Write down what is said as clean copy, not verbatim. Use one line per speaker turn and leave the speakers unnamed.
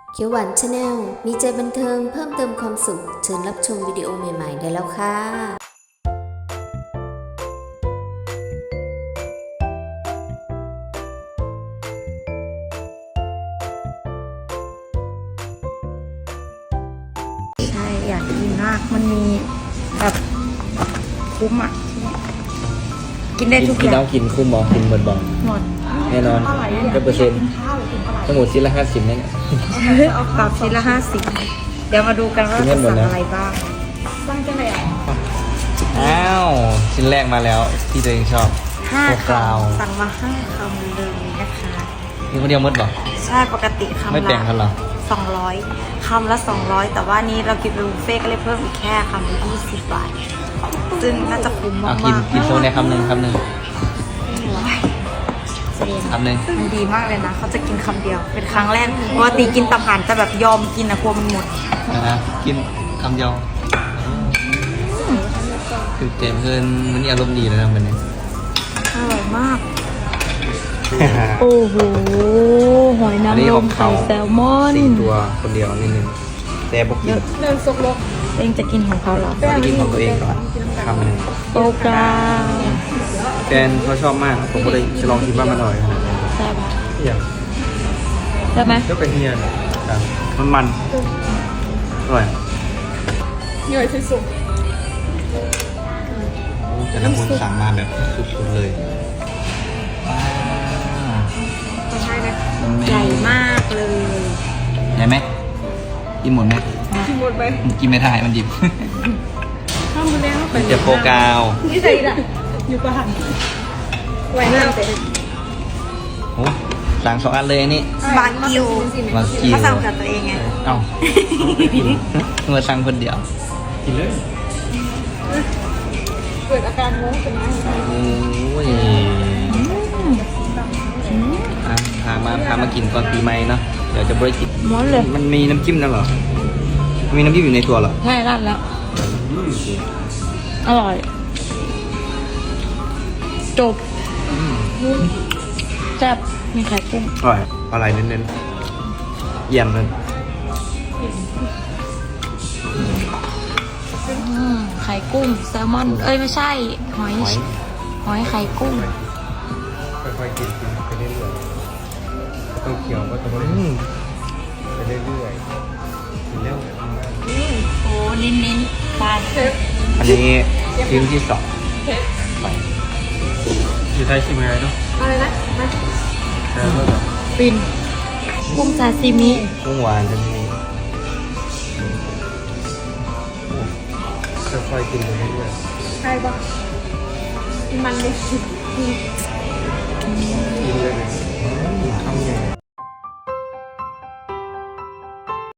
เขียวหวานชาแนลมีใจบันเทิงเพิ่มเติมความสุขเชิญรับชมวิดีโอใหม่ๆได้แล้วค่ะ
ใช่อยากกินมากมันมีแบบคุ้มอ่ะกินได้ทุกอย่าง
กินคุ้มบอกินหมดบอ
หมด
แน่นอน100%ทั้งหมดชิ้นละ50เนี่ย
ปรับชิ้นละ50เดี๋ยวมาดูกันว่าจะสั่งอะไรบ้างสั่งจะไหนอ่ะ
อ้าวชิ้นแรกมาแล้วที่ตัวเองชอบ
5
โฟกราว
คำสั่งมา5คำเลยนะคะ
นี่คนเดียวหมดบอ
ใช่ปกติคำ
ไม่แบ่งกันเหรอ
200คำละ200แต่ว่านี้เรากินเป็นบุฟเฟ่ก็เลยเพิ่มอีกแค่คำละ20 บาทซึ่งน่าจะคุ้มมาก
กินโซ่ในคำหนึ่ง
คำหนึ่ง
คำหนึ่ง
มันดีมากเลยนะเขาจะกินคำเดียวเป็นครั้งแรกปกติกินตับห่านจะแบบยอมกินนะกลัวมันหมด
นะกินคำเดียวคือเจมเพื่อนมันอารมณ์ดีเลยนะมันเนี่ย
อร่อยมากโอ้โหหอยนางรมไข่แซลมอน
4 ตัวคนเดียวนิดนึงแต่บอกกิน
เดินซกลกเองจะกินของเขาเหรอ
จะกินของตัวเองก่อนคำหนึ่ง
โปรกรา
แฟนเขาชอบมากผมก็เลยจะลองคิดว่ามันอร่อยขนาดไหน
ใช่ปะ
อยาก
ใช่ไหม
ก็เป็นเฮียครับมันอร่อย
เหนื่อยที่สุด
แต่ละคนสั่งมาแบบสุดๆเลย
ใช่ไหมใหญ่มากเลย
ใหญ่ไหมกินหมดไหม
กินหมดไป
กินไม่ได้มันหยิบ
ข้าวมือแดงเข้าไป
จะโฟกาว
นี่ใส่ละอยู่ประหันไหวมากเลย
โอ้สั่ง2 อันเลยอันนี้
บากิว
บากิว
เขาสั่งกับตัวเองไง
เอ้ามาสั่งคนเดียวกินเลย
เกิดอาการงงเป็นไง
โอ้ยพามากินก่อนปีใหม่เนาะเดี๋ยวจะบริกิน
ม้วนเลย
มันมีน้ำจิ้มนั่นเหรอมีน้ำจิ้มอยู่ในตัวเหรอ
ใช่ร้านแล้ว อร่อย จบแซ่บมีไข่กุ้ง
อร่อยอะไรเน้นๆเยี่ยมเลย
ไข่กุ้งแซลมอน เอ้ยไม่ใช่ หอยไข่กุ้ง
ค่อยๆกินไปเรื่อยๆต้องเคี้ยวก็ต้องไปเรื่อยๆกินเร็ว
โอ้เน้นๆปลาเชฟ
อันนี้ชิ้นที่2
อยู่ไทยชิมอะไรเนาะ
อะไรนะ
แล้วก็แบบ
ปินกุ้งซาซิมิ
กุ้งหวานจะมี
ค่อยๆกินไปเรื่อย
ใช่ปะมันเลย
ๆกินเลย